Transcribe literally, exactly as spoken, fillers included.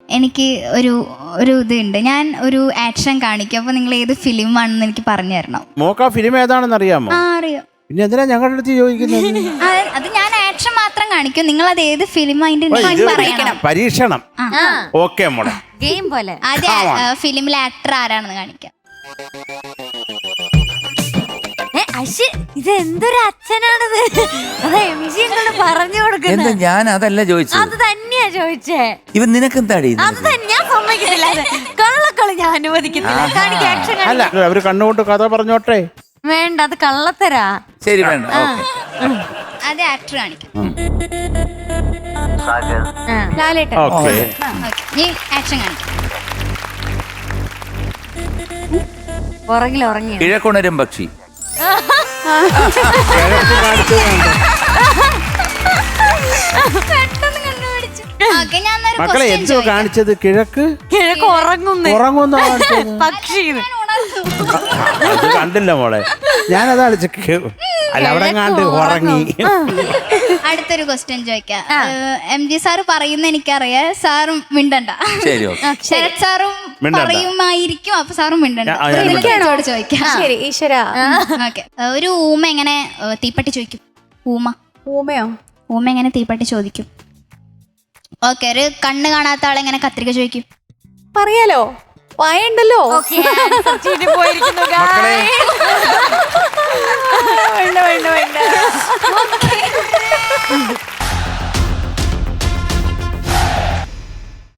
എനിക്ക് ഒരു ഒരു ഇതുണ്ട്. ഞാൻ ഒരു ആക്ഷൻ കാണിക്കും. അപ്പൊ നിങ്ങൾ ഏത് ഫിലിം ആണെന്ന് എനിക്ക് പറഞ്ഞു തരണം. മോക്ക് ആ ഫിലിം ഏതാണെന്ന് അറിയാമോ? ആ അറിയാം. പിന്നെ എന്തിനാ ഞങ്ങളുടെ അടുത്ത് ചോദിക്കുന്നത്? അത് ഞാൻ ആക്ഷൻ മാത്രം കാണിക്കും. നിങ്ങൾ അത് ഏത് ഫിലിം അതിന്റെ പറയണം. പരീക്ഷണം. ഓക്കെ മോളെ, ഗെയിം പോലെ. ആദ്യം ഫിലിമിലെ ആക്ടർ ആരാണെന്ന് കാണിക്കാം. ഇത് എന്തൊരു അച്ഛനാണിത്. അതെ എം ജി എന്നോട് പറഞ്ഞു കൊടുക്കുന്നത്. ഞാൻ അതല്ല ചോദിച്ചത്, അത് തന്നെയാ ചോദിച്ചേ. ഇവൻ നിനക്കെന്താടി? അത് തന്നെ ഞാൻ സമ്മതിക്കത്തില്ല. കള്ളക്കളി ഞാൻ അനുവദിക്കത്തില്ല. കാണിക്ക് ആക്ഷൻ. അല്ല അവര് കണ്ണുകൊണ്ട് കഥ പറഞ്ഞോട്ടെ. വേണ്ട, അത് കള്ളത്തരാ. ശരി വേണ്ട. അത് ആക്ടർ കാണിക്കാം. ലാലേട്ടൻ. ഓക്കെ ആക്ഷൻ കാണിക്കാം. പുറകിൽ ഉറങ്ങി. കിഴക്കുണരും പക്ഷി. മക്കളെ എന്തോ കാണിച്ചത്? കിഴക്ക് കിഴക്ക് ഉറങ്ങുന്നു. ഉറങ്ങുന്ന പക്ഷി അത് കണ്ടില്ല മോളെ, ഞാനതാണ് അല്ല അവിടെ കണ്ട് ഉറങ്ങി. അടുത്തൊരു ക്വസ്റ്റ്യൻ ചോദിക്കാം. എം ജി സാറ് പറയുന്ന എനിക്കറിയാം. സാറും മിണ്ടണ്ട. ശരത് സാറും പറയുമായിരിക്കും. അപ്പൊ സാറും മിണ്ടണ്ട. ചോദിക്കാം. ശരി ഈശ്വര. ഓക്കെ. ഒരു ഊമ എങ്ങനെ തീപ്പെട്ടി ചോദിക്കും? ഊമ ഊമയോ? ഊമ എങ്ങനെ തീപ്പെട്ടി ചോദിക്കും? ഓക്കെ. ഒരു കണ്ണ് കാണാത്ത ആളെങ്ങനെ കത്രിക ചോദിക്കും? പറയാലോ, വായണ്ടല്ലോ. മക്കളെ